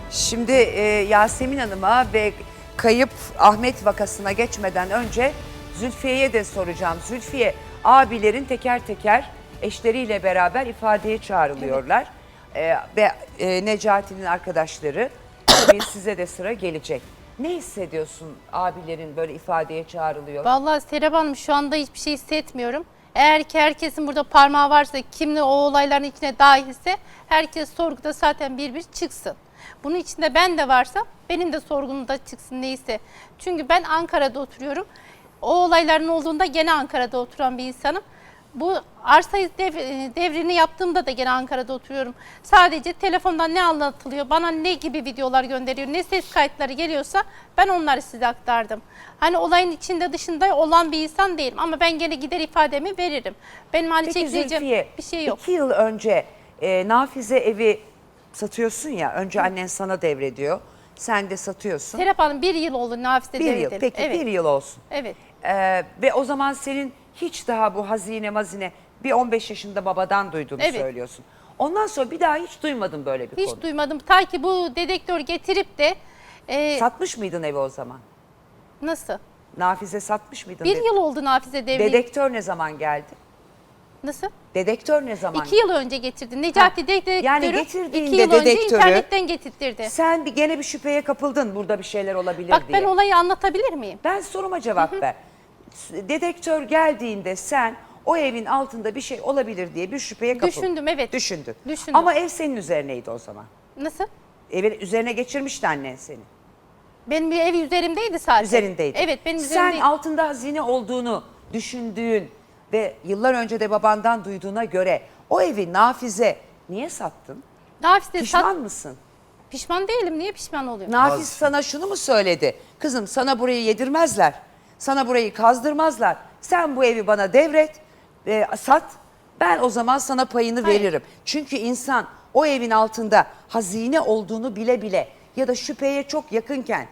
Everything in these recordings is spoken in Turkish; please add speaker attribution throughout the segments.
Speaker 1: Şimdi Yasemin Hanım'a ve kayıp Ahmet vakasına geçmeden önce Zülfiye'ye de soracağım. Zülfiye, abilerin teker teker eşleriyle beraber ifadeye çağrılıyorlar. Ve Necati'nin arkadaşları, tabii size de sıra gelecek. Ne hissediyorsun abilerin böyle ifadeye çağrılıyor?
Speaker 2: Vallahi Serap Hanım şu anda hiçbir şey hissetmiyorum. Eğer ki herkesin burada parmağı varsa, kimle o olayların içine dahilse herkes sorguda zaten bir çıksın. Bunun içinde ben de varsam benim de sorgumda çıksın neyse. Çünkü ben Ankara'da oturuyorum. O olayların olduğunda gene Ankara'da oturan bir insanım. Bu arsa devrini yaptığımda da gene Ankara'da oturuyorum. Sadece telefondan ne anlatılıyor, bana ne gibi videolar gönderiyor, ne ses kayıtları geliyorsa ben onları size aktardım. Hani olayın içinde dışında olan bir insan değilim ama ben gene gider ifademi veririm. Benim hani
Speaker 1: Peki
Speaker 2: çekeceğim
Speaker 1: Zülfiye,
Speaker 2: bir şey yok.
Speaker 1: 2 yıl önce Nafize evi satıyorsun ya, önce annen sana devrediyor, sen de satıyorsun.
Speaker 2: Serap Hanım 1 yıl oldu Nafize
Speaker 1: Bir yıl,
Speaker 2: devredelim.
Speaker 1: peki
Speaker 2: Evet.
Speaker 1: 1 yıl olsun.
Speaker 2: Evet.
Speaker 1: Ve o zaman senin hiç daha bu hazine mazine bir 15 yaşında babadan duyduğunu
Speaker 2: Evet.
Speaker 1: söylüyorsun. Ondan sonra bir daha hiç duymadın böyle bir
Speaker 2: Hiç
Speaker 1: konu.
Speaker 2: duymadım. Ta ki bu dedektör getirip de
Speaker 1: Satmış mıydın evi o zaman?
Speaker 2: nasıl?
Speaker 1: Nafize satmış mıydın?
Speaker 2: 1 yıl oldu Nafize devri.
Speaker 1: Dedektör ne zaman geldi?
Speaker 2: Nasıl?
Speaker 1: Dedektör ne zaman?
Speaker 2: 2 yıl önce getirdi. Necati dedektörü
Speaker 1: yani getirdiğinde
Speaker 2: 2 yıl önce
Speaker 1: dedektörü,
Speaker 2: internetten getirtirdi.
Speaker 1: Sen gene bir şüpheye kapıldın, burada bir şeyler olabilir
Speaker 2: Bak
Speaker 1: diye.
Speaker 2: ben olayı anlatabilir miyim?
Speaker 1: Ben soruma cevap ver. Dedektör geldiğinde sen o evin altında bir şey olabilir diye bir şüpheye kapıldın.
Speaker 2: Düşündüm, evet.
Speaker 1: Düşündün.
Speaker 2: Düşündüm.
Speaker 1: Ama ev senin üzerineydi o zaman.
Speaker 2: Nasıl?
Speaker 1: Evin üzerine geçirmişti annen seni.
Speaker 2: Benim bir ev üzerimdeydi sadece.
Speaker 1: Üzerindeydi.
Speaker 2: Evet benim
Speaker 1: Sen
Speaker 2: üzerimdeydi.
Speaker 1: altında hazine olduğunu düşündüğün ve yıllar önce de babandan duyduğuna göre o evi Nafize niye sattın?
Speaker 2: Nafize
Speaker 1: Pişman mısın?
Speaker 2: Pişman değilim. Niye pişman oluyorum?
Speaker 1: Nafiz sana şunu mu söyledi? Kızım sana burayı yedirmezler. Sana burayı kazdırmazlar. Sen bu evi bana devret, sat. Ben o zaman sana payını
Speaker 2: Hayır.
Speaker 1: veririm. Çünkü insan o evin altında hazine olduğunu bile bile ya da şüpheye çok yakınken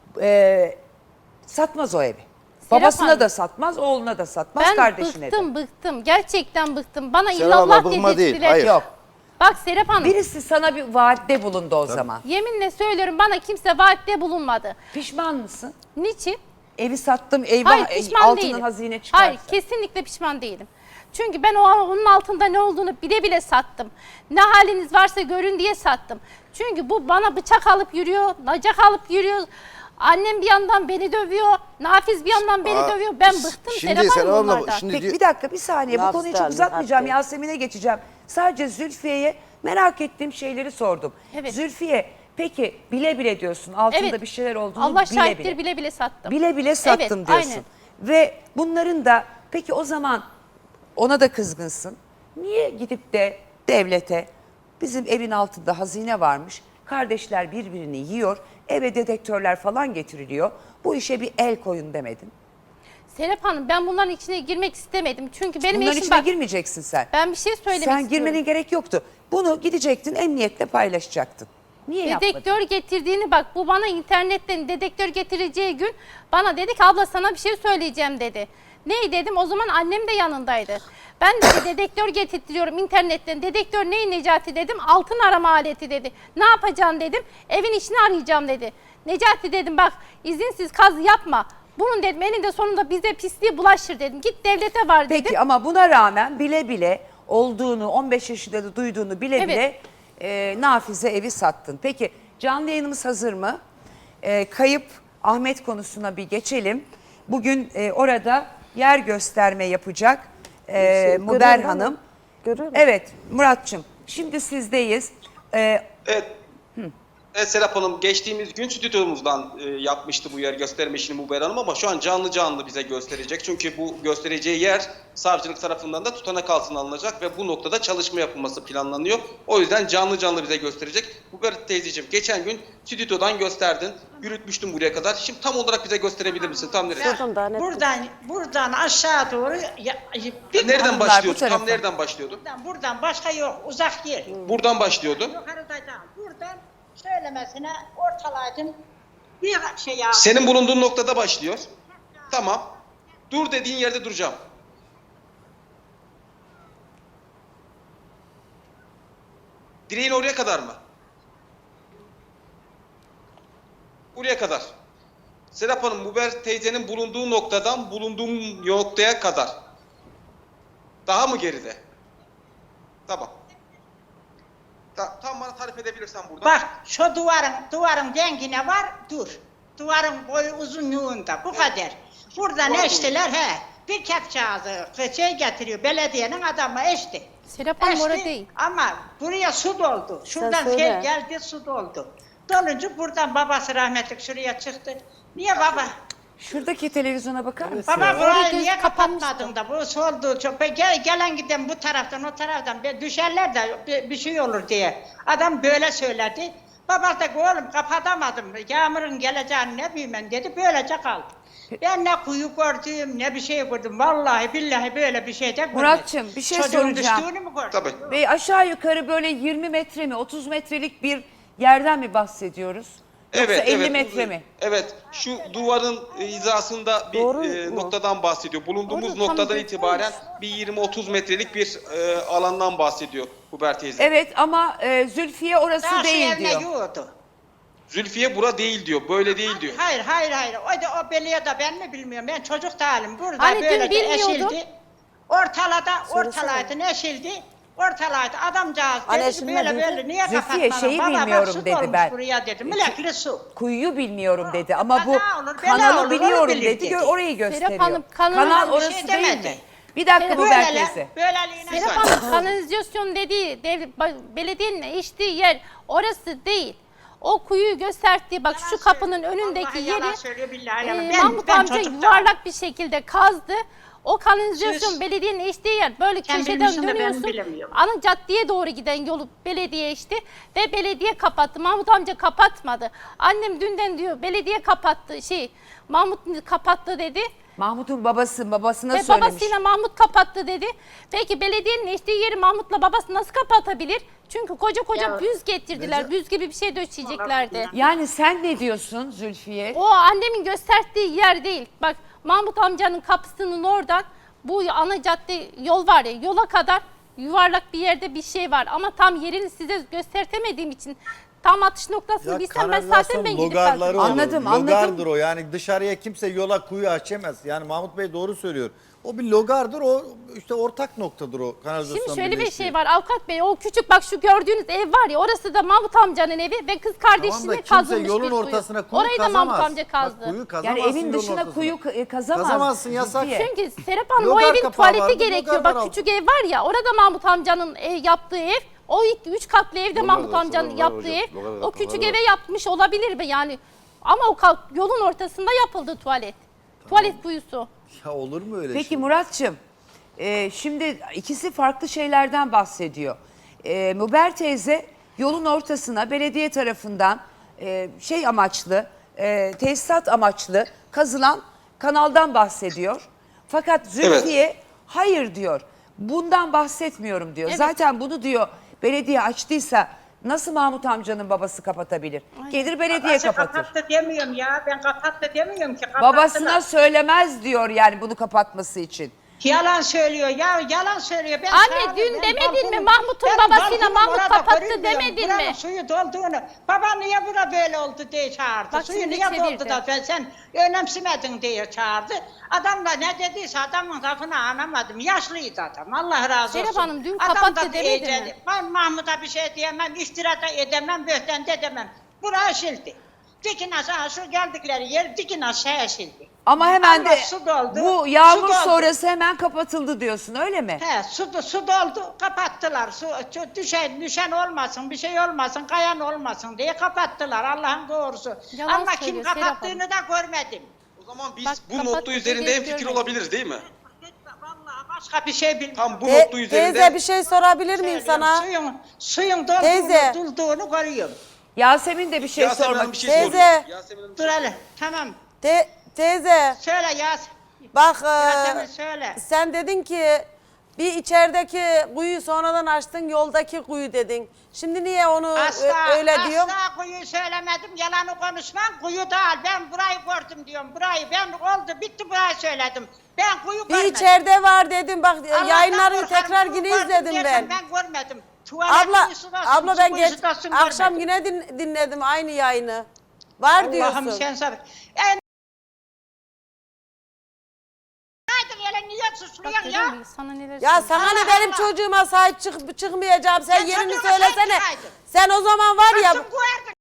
Speaker 1: satmaz o evi. Babasına
Speaker 2: Hanım,
Speaker 1: da satmaz, oğluna da satmaz,
Speaker 2: ben
Speaker 1: kardeşine de.
Speaker 2: bıktım. Gerçekten bıktım. Bana
Speaker 3: Serap
Speaker 2: illallah
Speaker 3: abla, bıkma değil,
Speaker 2: dedirttiler.
Speaker 3: hayır.
Speaker 1: Yok.
Speaker 2: Bak Serap Hanım.
Speaker 1: Birisi sana bir vaatte bulundu o zaman.
Speaker 2: Yeminle söylüyorum bana kimse vaatte bulunmadı.
Speaker 1: Pişman mısın?
Speaker 2: Niçin?
Speaker 1: Evi sattım, eyvah,
Speaker 2: Hayır pişman
Speaker 1: altından
Speaker 2: değilim.
Speaker 1: hazine çıkarsa.
Speaker 2: Hayır kesinlikle pişman değilim. Çünkü ben onun altında ne olduğunu bile bile sattım. Ne haliniz varsa görün diye sattım. Çünkü bu bana bıçak alıp yürüyor, nacak alıp yürüyor. Annem bir yandan beni dövüyor, Nafiz bir yandan beni dövüyor. Ben bıktım Serap Hanım bunlardan.
Speaker 1: Peki bir dakika, bir saniye, bu
Speaker 4: Laf
Speaker 1: konuyu çok
Speaker 4: geldi,
Speaker 1: uzatmayacağım,
Speaker 4: hatta.
Speaker 1: Yasemin'e geçeceğim. Sadece Zülfiye'ye merak ettiğim şeyleri sordum.
Speaker 2: Evet.
Speaker 1: Zülfiye, peki bile bile diyorsun, altında
Speaker 2: Evet.
Speaker 1: bir şeyler olduğunu
Speaker 2: Allah
Speaker 1: bile
Speaker 2: şahittir
Speaker 1: bile.
Speaker 2: bile bile sattım.
Speaker 1: Bile bile sattım
Speaker 2: Evet,
Speaker 1: diyorsun.
Speaker 2: aynen.
Speaker 1: Ve bunların da, peki o zaman ona da kızgınsın. Niye gidip de devlete, bizim evin altında hazine varmış, kardeşler birbirini yiyor, eve dedektörler falan getiriliyor, bu işe bir el koyun demedin?
Speaker 2: Serap Hanım ben bunların içine girmek istemedim. Çünkü benim
Speaker 1: Bunların
Speaker 2: eşim
Speaker 1: içine
Speaker 2: bak
Speaker 1: girmeyeceksin sen.
Speaker 2: ben bir şey söylemek
Speaker 1: Sen
Speaker 2: istiyorum.
Speaker 1: girmenin gerek yoktu. Bunu gidecektin, emniyetle paylaşacaktın. Niye yapmadın?
Speaker 2: Dedektör getirdiğini bak bu bana internetten dedektör getireceği gün bana dedi ki abla sana bir şey söyleyeceğim dedi. Ney dedim o zaman annem de yanındaydı. Ben de dedektör getirtiyorum internetten. Dedektör ney Necati dedim altın arama aleti dedi. Ne yapacaksın dedim evin içini arayacağım dedi. Necati dedim bak izinsiz kazı yapma. Bunun dedim eninde sonunda bize pisliği bulaşır dedim. Git devlete var dedim.
Speaker 1: Peki ama buna rağmen bile bile olduğunu, 15 yaşında da duyduğunu bile
Speaker 2: Evet.
Speaker 1: bile Nafize evi sattın. Peki canlı yayınımız hazır mı? Kayıp Ahmet konusuna bir geçelim. Bugün orada yer gösterme yapacak Muber
Speaker 4: görüyorum ama.
Speaker 1: Hanım.
Speaker 4: Görüyorum.
Speaker 1: Evet Muratçım, şimdi sizdeyiz.
Speaker 5: Evet. Evet Serap Hanım geçtiğimiz gün stüdyomuzdan yapmıştı bu yer gösterme işini Muber Hanım ama şu an canlı canlı bize gösterecek. Çünkü bu göstereceği yer savcılık tarafından da tutanak altına alınacak ve bu noktada çalışma yapılması planlanıyor. O yüzden canlı canlı bize gösterecek. Muber teyzeciğim geçen gün stüdyodan gösterdin. Yürütmüştüm buraya kadar. Şimdi tam olarak bize gösterebilir misin? Tam nereye?
Speaker 4: Şuradan daha net.
Speaker 6: Buradan aşağı doğru
Speaker 5: Nereden
Speaker 1: Hanımlar, bu
Speaker 5: başlıyordu?
Speaker 1: tarafa.
Speaker 5: Tam nereden başlıyordu?
Speaker 6: buradan başka yok uzak yer.
Speaker 5: Buradan başlıyordu.
Speaker 6: Yukarıdan buradan söylemesine ortalaydım. Bir şey ya.
Speaker 5: Senin bulunduğun noktada başlıyor. Tamam. Dur dediğin yerde duracağım. Direğin oraya kadar mı? Buraya kadar. Serap Hanım, Muber teyzenin bulunduğu noktadan bulunduğum noktaya kadar. Daha mı geride? Tamam. Tam bana tarif edebilirsen buradan.
Speaker 6: Bak şu duvarın dengine var, dur. Duvarın boyu uzunluğunda, bu kadar. Buradan
Speaker 5: Duvar
Speaker 6: eştiler, bir kepçağızı getiriyor, belediyenin adamı eşti.
Speaker 2: Serap Hanım orada değil.
Speaker 6: Ama buraya su doldu. Şuradan
Speaker 3: söyle.
Speaker 6: sel geldi, su doldu. Dolunca buradan babası rahmetli şuraya çıktı. Niye baba?
Speaker 1: Şuradaki televizyona bakar mısın?
Speaker 6: Baba
Speaker 2: Orada
Speaker 6: burayı
Speaker 2: göz
Speaker 6: niye
Speaker 2: kapanmıştı.
Speaker 6: kapatmadın da bu soldu çok gelen giden bu taraftan o taraftan düşerler de bir şey olur diye. Adam böyle söyledi. Baba da oğlum kapatamadım. Yağmurun geleceğini ne bileyim ben dedi. Böylece kaldı. Ben ne kuyu gördüm ne bir şey gördüm. Vallahi billahi böyle bir şey de görmedim.
Speaker 1: Muratçım, bir şey
Speaker 6: Çocuğun
Speaker 1: soracağım.
Speaker 6: düştüğünü mü gördün?
Speaker 5: Tabii.
Speaker 1: Ve aşağı yukarı böyle 20 metre mi 30 metrelik bir yerden mi bahsediyoruz? Yoksa 50 metre mi?
Speaker 5: Evet. Şu duvarın hizasında bir
Speaker 3: Doğru mu?
Speaker 5: noktadan bahsediyor. Bulunduğumuz
Speaker 2: Orada tam
Speaker 5: noktadan
Speaker 2: göstermiş.
Speaker 5: itibaren bir 20-30 metrelik bir alandan bahsediyor Muber teyze.
Speaker 1: Evet ama Zülfiye orası
Speaker 6: Daha şu
Speaker 1: değil
Speaker 6: evine
Speaker 1: diyor.
Speaker 6: yoğurdu.
Speaker 5: Zülfiye bura değil diyor. Böyle değil diyor.
Speaker 6: Hayır. O beliye de ben mi bilmiyorum. Ben çocuk değilim. Burada
Speaker 2: Hani dün
Speaker 6: böyle
Speaker 2: bilmiyordum.
Speaker 6: eşildi. Ortalaydı neşildi. Ortalaydı adamcağız
Speaker 3: Hani
Speaker 6: dedi ki
Speaker 3: eşilme
Speaker 6: böyle
Speaker 3: dedi.
Speaker 6: böyle niye
Speaker 1: Zülfiye,
Speaker 6: kapatmadın?
Speaker 1: şeyi
Speaker 6: Baba bak
Speaker 1: bilmiyorum
Speaker 6: su
Speaker 1: dedi
Speaker 6: dolmuş
Speaker 1: ben.
Speaker 6: buraya dedi. Mülekli su.
Speaker 1: Kuyuyu bilmiyorum dedi ama bu
Speaker 6: kaza olur, bela
Speaker 1: kanalı
Speaker 6: olur,
Speaker 1: biliyorum
Speaker 6: onu bilir
Speaker 1: dedi.
Speaker 6: dedi.
Speaker 1: Orayı gösteriyor.
Speaker 2: Hanım, kanalı
Speaker 1: Kanal
Speaker 6: bir
Speaker 1: orası
Speaker 6: şey
Speaker 1: değil
Speaker 6: demedi.
Speaker 1: mi? Bir dakika
Speaker 2: Evet.
Speaker 1: Muber teyze.
Speaker 6: Böyleliğine
Speaker 2: Serap Hanım kanalizasyon dediği belediyenin içtiği yer orası değil. O kuyuyu gösterdiği bak şu kapının önündeki yeri Mahmut amca yuvarlak bir şekilde kazdı. O kanalizasyon
Speaker 6: Siz-
Speaker 2: belediyenin içtiği yer. Böyle
Speaker 6: Sen
Speaker 2: köşeden
Speaker 6: bilmişsin de ben
Speaker 2: dönüyorsun.
Speaker 6: bilemiyorum.
Speaker 2: Ana caddeye doğru giden yolu belediye içti ve belediye kapattı. Mahmut amca kapatmadı. Annem dünden diyor belediye kapattı Mahmut kapattı dedi.
Speaker 1: Mahmut'un babasına
Speaker 2: Ve
Speaker 1: söylemiş.
Speaker 2: babasıyla Mahmut kapattı dedi. Peki belediyenin içtiği yeri Mahmut'la babası nasıl kapatabilir? Çünkü koca
Speaker 6: Ya,
Speaker 2: büz getirdiler. Büz gibi bir şey döşeyeceklerdi.
Speaker 1: Yani sen ne diyorsun Zülfiye?
Speaker 2: O annemin gösterdiği yer değil. Bak Mahmut amcanın kapısının oradan bu ana cadde yol var ya yola kadar yuvarlak bir yerde bir şey var. Ama tam yerini size göstertemediğim için tam atış noktasını
Speaker 4: Ya
Speaker 2: bilsem ben
Speaker 4: kanalizasyon
Speaker 2: zaten ben gidip
Speaker 4: logarları
Speaker 2: bakacağım.
Speaker 4: olur.
Speaker 1: Anladım.
Speaker 4: Logardır o. Yani dışarıya kimse yola kuyu açamaz. Yani Mahmut Bey doğru söylüyor. O bir logardır. O işte ortak noktadır o kanalizasyon.
Speaker 2: Şimdi şöyle bir
Speaker 4: birleştiği.
Speaker 2: şey var avukat bey o küçük bak şu gördüğünüz ev var ya orası da Mahmut amcanın evi ve kız kardeşine
Speaker 4: Kimse
Speaker 2: kazılmış
Speaker 4: yolun
Speaker 2: bir kuyu.
Speaker 4: ortasına kuyu
Speaker 2: Orayı da
Speaker 4: kazamaz.
Speaker 2: Mahmut amca kazdı.
Speaker 4: Bak, kuyu
Speaker 1: Yani
Speaker 4: kazamazsın
Speaker 1: evin
Speaker 4: yolun
Speaker 1: dışına
Speaker 4: ortasına.
Speaker 1: kuyu kazamaz.
Speaker 4: Kazamazsın, yasak.
Speaker 1: Zülfiye.
Speaker 2: Çünkü Serap Hanım o
Speaker 4: Logar
Speaker 2: evin
Speaker 4: kapağı
Speaker 2: tuvaleti
Speaker 4: vardı,
Speaker 2: gerekiyor.
Speaker 4: logar
Speaker 2: Bak
Speaker 4: var
Speaker 2: küçük ev var ya orada Mahmut amcanın yaptığı ev. O 3 katlı evde Mahmut amcanın yaptığı ev. O küçük eve yapmış olabilir mi yani? Ama o yolun ortasında yapıldı tuvalet. Tuvalet kuyusu.
Speaker 4: Ya olur mu öyle
Speaker 1: Peki
Speaker 4: şey?
Speaker 1: Muratçım, şimdi ikisi farklı şeylerden bahsediyor. Muber teyze yolun ortasına belediye tarafından amaçlı, tesisat amaçlı kazılan kanaldan bahsediyor. Fakat Zülfiye hayır diyor. Bundan bahsetmiyorum diyor.
Speaker 2: Evet.
Speaker 1: Zaten bunu diyor belediye açtıysa nasıl Mahmut amcanın babası kapatabilir? Gelir belediye
Speaker 6: Babası
Speaker 1: kapatır.
Speaker 6: kapattı demiyorum ya. Ben kapattı demiyorum ki. Kapattılar.
Speaker 1: Babasına söylemez diyor yani bunu kapatması için.
Speaker 6: Yalan söylüyor ya, yalan söylüyor. Ben
Speaker 2: Anne,
Speaker 6: sağ olun,
Speaker 2: dün
Speaker 6: ben
Speaker 2: demedin mi?
Speaker 6: balkonum-
Speaker 2: Mahmut'un
Speaker 6: ben
Speaker 2: babasıyla
Speaker 6: balkonum
Speaker 2: Mahmut
Speaker 6: orada
Speaker 2: kapattı
Speaker 6: görünmüyorum.
Speaker 2: demedin
Speaker 6: Buranın
Speaker 2: mi?
Speaker 6: suyu dolduğunu. Baba niye bura böyle oldu diye çağırdı.
Speaker 2: Bak
Speaker 6: Suyu
Speaker 2: şimdi
Speaker 6: niye
Speaker 2: çevirdi.
Speaker 6: doldu da sen önemsemedin diye çağırdı. Adam da ne dediyse adamın lafını anlamadım. Yaşlıydı adam. Allah razı olsun.
Speaker 2: Serap Hanım, dün
Speaker 6: Adam
Speaker 2: kapattı
Speaker 6: da
Speaker 2: demedi
Speaker 6: iyice-
Speaker 2: mi?
Speaker 6: Ben Mahmut'a bir şey diyemem, iftira da edemem, böhten de edemem. Bura eşildi. Dikin aşağı şu geldikleri yer dikin aşağı eşildi.
Speaker 1: Ama hemen
Speaker 6: Ama
Speaker 1: de
Speaker 6: su doldu,
Speaker 1: bu yağmur
Speaker 6: su doldu.
Speaker 1: sonrası hemen kapatıldı diyorsun öyle mi?
Speaker 6: He, su doldu, kapattılar. Su düşen olmasın, bir şey olmasın, kayan olmasın diye kapattılar. Allah'ın doğrusu.
Speaker 2: Yalan
Speaker 6: Ama kim
Speaker 2: söylüyor Serap
Speaker 6: kapattığını da görmedim.
Speaker 5: O zaman biz
Speaker 2: Bak,
Speaker 5: bu
Speaker 2: kapattı
Speaker 5: nokta üzerinde
Speaker 2: dediği
Speaker 5: hemfikir
Speaker 2: görmedim.
Speaker 5: olabiliriz değil mi?
Speaker 6: Vallahi başka bir şey bilmiyorum.
Speaker 5: Tam bu nokta üzerinde.
Speaker 3: Teyze bir şey sorabilir miyim
Speaker 6: Söylüyorum,
Speaker 3: sana?
Speaker 6: Suyun
Speaker 3: Teyze.
Speaker 6: dolduğunu görüyorum.
Speaker 1: Yasemin de bir şey
Speaker 5: Yasemin
Speaker 1: sormak
Speaker 5: Hanım bir şey
Speaker 1: istiyor.
Speaker 3: Teyze.
Speaker 5: soruyor. Yasemin Hanım bir
Speaker 6: Dur
Speaker 5: şey
Speaker 6: hele, tamam.
Speaker 3: Teyze
Speaker 6: Söyle Yas.
Speaker 3: bak
Speaker 6: Yasemin söyle.
Speaker 3: sen dedin ki bir içerideki kuyu sonradan açtın yoldaki kuyu dedin. Şimdi niye onu öyle diyorum?
Speaker 6: Asla kuyu söylemedim, yalanı konuşmam. Kuyu değil, ben burayı gördüm diyorum. Burayı ben oldu, bitti burayı söyledim. Ben kuyu
Speaker 3: Bir
Speaker 6: görmedim.
Speaker 3: içeride var dedim. Bak
Speaker 6: Allah'tan
Speaker 3: yayınları
Speaker 6: korkarım,
Speaker 3: tekrar
Speaker 6: kuyu
Speaker 3: yine
Speaker 6: gördüm
Speaker 3: izledim
Speaker 6: dersen
Speaker 3: ben.
Speaker 6: Ben görmedim. Tuvalet
Speaker 3: Abla
Speaker 6: kuyusu da su
Speaker 3: ben
Speaker 6: kuyusu
Speaker 3: geç
Speaker 6: da su
Speaker 3: akşam
Speaker 6: görmedim.
Speaker 3: yine dinledim aynı yayını. Var diyorsun.
Speaker 6: Allah'ım sen sabır. En... Haydi hele niye
Speaker 2: Bak
Speaker 6: susuyorsun
Speaker 2: görüyor
Speaker 6: ya?
Speaker 2: musun? Sana neler
Speaker 3: Ya
Speaker 2: söylüyorum.
Speaker 3: sana ne
Speaker 6: Allah
Speaker 3: benim
Speaker 6: Allah.
Speaker 3: çocuğuma sahip çıkmayacağım. Sen
Speaker 6: Ben
Speaker 3: yerini
Speaker 6: çocuğuma
Speaker 3: söylesene.
Speaker 6: sahip çıkaydın.
Speaker 3: Sen o zaman var ya
Speaker 6: Açım koyardın.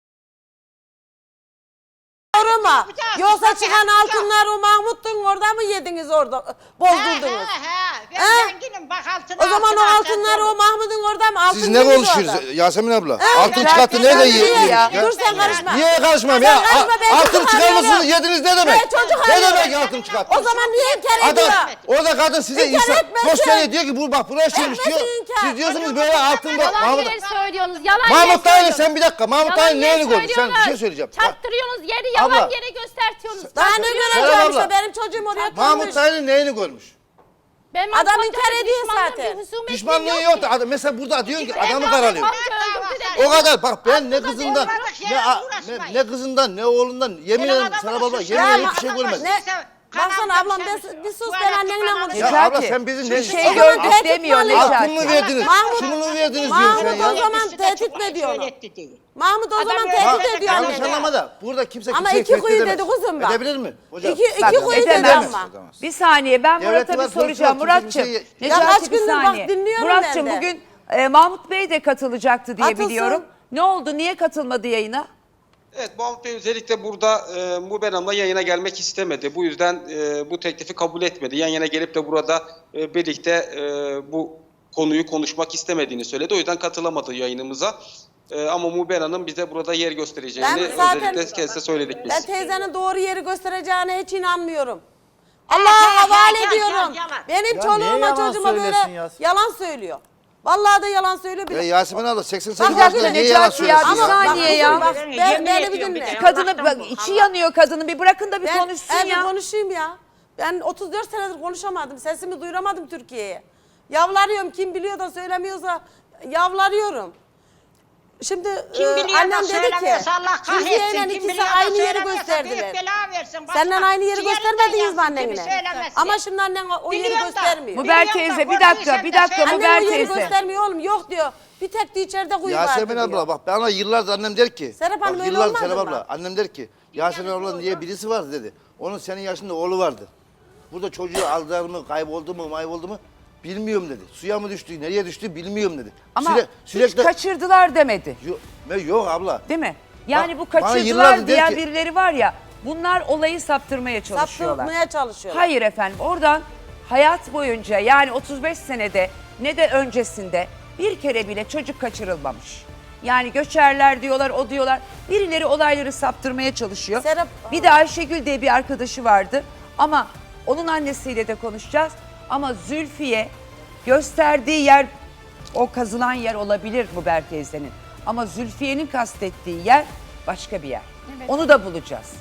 Speaker 3: sorma.
Speaker 6: Bir daha
Speaker 3: Yoksa
Speaker 6: bir
Speaker 3: çıkan
Speaker 6: daha.
Speaker 3: altınlar o Mahmut'un orada mı yediniz orada? Bozdurdunuz.
Speaker 6: Ben
Speaker 3: He?
Speaker 6: zenginim bak altına.
Speaker 3: O zaman o
Speaker 6: altına,
Speaker 3: altınlar
Speaker 6: sen
Speaker 3: o Mahmut'un orada mı? Altın
Speaker 7: Siz ne
Speaker 3: yediniz orada.
Speaker 7: konuşuyorsunuz Yasemin abla?
Speaker 3: He?
Speaker 7: Altın
Speaker 3: Ya
Speaker 7: çıkarttı
Speaker 3: sen
Speaker 7: nerede
Speaker 3: niye
Speaker 7: yediniz
Speaker 3: ya?
Speaker 7: ya?
Speaker 3: Dur sen karışma.
Speaker 7: Niye karışmam
Speaker 3: Sen
Speaker 7: ya?
Speaker 3: karışma, ben
Speaker 7: Altın
Speaker 3: çocuk
Speaker 7: çıkarmışsınız
Speaker 3: arıyorum.
Speaker 7: yediniz ne demek?
Speaker 3: Ben çocuk
Speaker 7: Ne
Speaker 3: arıyorum.
Speaker 7: demek altın çıkarttı?
Speaker 3: O zaman niye inkar
Speaker 7: Adam
Speaker 3: ediyor?
Speaker 7: orada kadın size
Speaker 3: İnkar
Speaker 7: insan
Speaker 3: etmesin.
Speaker 7: gösteriyor diyor ki bu bak buraya şeymiş
Speaker 3: Etmesin
Speaker 7: diyor.
Speaker 3: inkar.
Speaker 7: Siz diyorsunuz böyle altın bak.
Speaker 2: Yalan
Speaker 7: Mahmut,
Speaker 2: yere söylüyorsunuz. Yalan
Speaker 7: Mahmut
Speaker 2: yere
Speaker 7: Dayı'nın
Speaker 2: söylüyorsunuz.
Speaker 7: sen bir dakika. Mahmut
Speaker 2: Yalan
Speaker 7: Dayı'nın
Speaker 2: yere
Speaker 7: neyini gördün? Sen bir şey
Speaker 2: söylüyorlar.
Speaker 7: söyleyeceğim.
Speaker 2: Çarptırıyorsunuz yeri yalan
Speaker 7: Abla.
Speaker 2: yere göstertiyorsunuz.
Speaker 3: Daha ne
Speaker 2: Çarptırıyorsunuz.
Speaker 3: göreceğim
Speaker 7: Serap
Speaker 3: işte
Speaker 7: abla.
Speaker 3: benim çocuğum oraya
Speaker 7: Mahmut
Speaker 3: koymuş.
Speaker 7: Dayı'nın neyini görmüş?
Speaker 2: Ben
Speaker 3: Adam
Speaker 2: Mahmut
Speaker 3: inkar
Speaker 2: Hoca'yla
Speaker 3: ediyor
Speaker 2: düşmanlığım,
Speaker 3: zaten.
Speaker 2: bir husumetim
Speaker 7: Pişmanlığı
Speaker 2: yok
Speaker 7: yok
Speaker 2: ki.
Speaker 7: da adam mesela burada diyorsun ki
Speaker 2: Ben
Speaker 7: adamı
Speaker 2: Mahmut
Speaker 7: karalıyor.
Speaker 2: Hoca'yı öldürdü
Speaker 7: O
Speaker 2: dedi.
Speaker 7: kadar bak ben ne
Speaker 2: Aslında
Speaker 7: kızından
Speaker 6: olmadık
Speaker 7: ne,
Speaker 6: yere
Speaker 7: ne,
Speaker 6: uğraşmayın.
Speaker 7: ne kızından ne oğlundan yemin ederim Serap abla yemin ederim hiçbir şey görmedim.
Speaker 3: Ne? Baksana ablam bir sus ben annenle
Speaker 7: Ya
Speaker 3: konuşuyorum.
Speaker 7: abla
Speaker 1: Necati,
Speaker 7: sen bizim
Speaker 1: bir
Speaker 7: ne
Speaker 1: şey
Speaker 3: O zaman
Speaker 1: gördük
Speaker 3: tehdit
Speaker 1: demiyor
Speaker 3: mi alıyor?
Speaker 7: altın mı
Speaker 1: Necati.
Speaker 7: verdiniz?
Speaker 3: Mahmut-
Speaker 7: Şunu mu verdiniz diyor
Speaker 3: Mahmut
Speaker 7: sen ya.
Speaker 3: o zaman tehdit mi ediyor onu? Mahmut o
Speaker 6: Adam
Speaker 3: zaman
Speaker 6: öyle
Speaker 3: tehdit
Speaker 6: dedi,
Speaker 3: ediyor
Speaker 7: Yanlış
Speaker 3: anneni.
Speaker 7: anlama da burada kimse
Speaker 3: Ama
Speaker 7: kimseyi
Speaker 3: iki
Speaker 7: tehdit
Speaker 3: kuyu
Speaker 7: edemez.
Speaker 3: dedi kuzum bak.
Speaker 7: Edebilir mi hocam?
Speaker 3: İki
Speaker 1: Bak,
Speaker 3: kuyu dedi
Speaker 1: edemez.
Speaker 3: ama.
Speaker 1: Bir saniye ben
Speaker 7: Devleti
Speaker 1: Murat'a
Speaker 7: var,
Speaker 1: bir soracağım.
Speaker 7: polisi var,
Speaker 1: Murat'cığım,
Speaker 7: kimse bir
Speaker 3: Ya kaç
Speaker 1: Necati bir
Speaker 3: gündür bak
Speaker 1: saniye.
Speaker 3: dinliyorum
Speaker 1: Murat'cığım
Speaker 3: ben de.
Speaker 1: bugün Mahmut Bey de katılacaktı diye
Speaker 3: Atılsın.
Speaker 1: biliyorum. Ne oldu? Niye katılmadı yayına?
Speaker 5: Evet, Mahmut Bey özellikle burada Muber Hanım'la yayına gelmek istemedi. Bu yüzden bu teklifi kabul etmedi. Yan yana gelip de burada birlikte bu konuyu konuşmak istemediğini söyledi. O yüzden katılamadı yayınımıza. Ama Muber Hanım bize burada yer göstereceğini
Speaker 3: Ben zaten-
Speaker 5: özellikle kendisine söyledik biz.
Speaker 3: Ben teyzenin doğru yeri göstereceğine hiç inanmıyorum. Allah'a havale ediyorum. Benim
Speaker 4: Ya niye
Speaker 3: çoluğuma
Speaker 4: yalan
Speaker 3: çocuğuma
Speaker 4: söylesin
Speaker 3: böyle
Speaker 4: ya?
Speaker 3: yalan söylüyor. Vallahi da yalan söylüyor.
Speaker 7: Ya Yasemin abla 88
Speaker 3: Bak,
Speaker 7: yaşında
Speaker 3: dakika,
Speaker 7: niye yalan
Speaker 1: Necati ya,
Speaker 7: söylesin
Speaker 1: bir
Speaker 7: ya?
Speaker 1: saniye ya.
Speaker 3: Bak,
Speaker 6: Yemin
Speaker 3: beni bir
Speaker 6: ediyorum bir
Speaker 3: dinle.
Speaker 6: de.
Speaker 1: Kadını
Speaker 6: Allah'tan
Speaker 1: bak,
Speaker 6: bu,
Speaker 1: içi
Speaker 6: Allah.
Speaker 1: yanıyor kadının. Bir bırakın da bir
Speaker 3: Ben
Speaker 1: konuşsun
Speaker 3: bir
Speaker 1: ya.
Speaker 3: konuşayım ya. Ben 34 senedir konuşamadım. Sesimi duyuramadım Türkiye'ye. Yavlarıyorum. Kim biliyor da söylemiyorsa yavlarıyorum. Şimdi
Speaker 6: Kim biliyor da
Speaker 3: annem dedi ki
Speaker 6: söylemiyorsa Allah
Speaker 3: Zülfiye
Speaker 6: kahretsin.
Speaker 3: ile
Speaker 6: Kim
Speaker 3: ikisi
Speaker 6: biliyor da
Speaker 3: aynı yeri
Speaker 6: söylemiyorsa
Speaker 3: gösterdiler.
Speaker 6: büyük bela versin. Başka
Speaker 3: Senden aynı yeri
Speaker 6: ciğerinden
Speaker 3: göstermediniz mi
Speaker 6: yansın,
Speaker 3: annenle?
Speaker 6: kimi söylemesin.
Speaker 3: Ama şimdi annen o yeri
Speaker 6: Biliyorum da.
Speaker 3: göstermiyor.
Speaker 1: Muber
Speaker 6: Biliyorum da,
Speaker 1: teyze bir dakika
Speaker 6: gördüysem
Speaker 1: bir
Speaker 6: de
Speaker 1: dakika
Speaker 6: söyle.
Speaker 1: Muber
Speaker 3: Annem o yeri
Speaker 1: teyze.
Speaker 3: göstermiyor oğlum. Yok diyor. Bir tek de içeride kuyu vardı
Speaker 7: Yasemin
Speaker 3: diyor.
Speaker 7: abla bak bana yıllardır annem der ki.
Speaker 3: Serap Hanım
Speaker 7: bak,
Speaker 3: öyle
Speaker 7: yıllardır
Speaker 3: olmadı
Speaker 7: Serap
Speaker 3: mı?
Speaker 7: abla annem der ki Yasemin abla diye birisi vardı dedi. Onun senin yaşında oğlu vardı. Burada çocuğu aldılar mı kayboldu mu mayboldu mu bilmiyorum dedi. Suya mı düştü nereye düştü bilmiyorum dedi.
Speaker 1: Ama
Speaker 7: Sürekli
Speaker 1: hiç kaçırdılar demedi.
Speaker 7: yok abla.
Speaker 1: Değil mi? Yani
Speaker 7: Bak,
Speaker 1: bu
Speaker 7: bana
Speaker 1: kaçırdılar
Speaker 7: yıllardır der
Speaker 1: diyen
Speaker 7: ki-
Speaker 1: birileri var ya. Bunlar olayı saptırmaya çalışıyorlar.
Speaker 3: Saptırmaya çalışıyorlar.
Speaker 1: Hayır efendim oradan hayat boyunca yani 35 senede ne de öncesinde bir kere bile çocuk kaçırılmamış. Yani göçerler diyorlar o diyorlar. Birileri olayları saptırmaya çalışıyor.
Speaker 3: Serap-
Speaker 1: Bir de Ayşegül diye bir arkadaşı vardı ama onun annesiyle de konuşacağız. Ama Zülfiye gösterdiği yer o kazılan yer olabilir Muber teyzenin. Ama Zülfiye'nin kastettiği yer başka bir yer.
Speaker 2: Evet.
Speaker 1: Onu da bulacağız.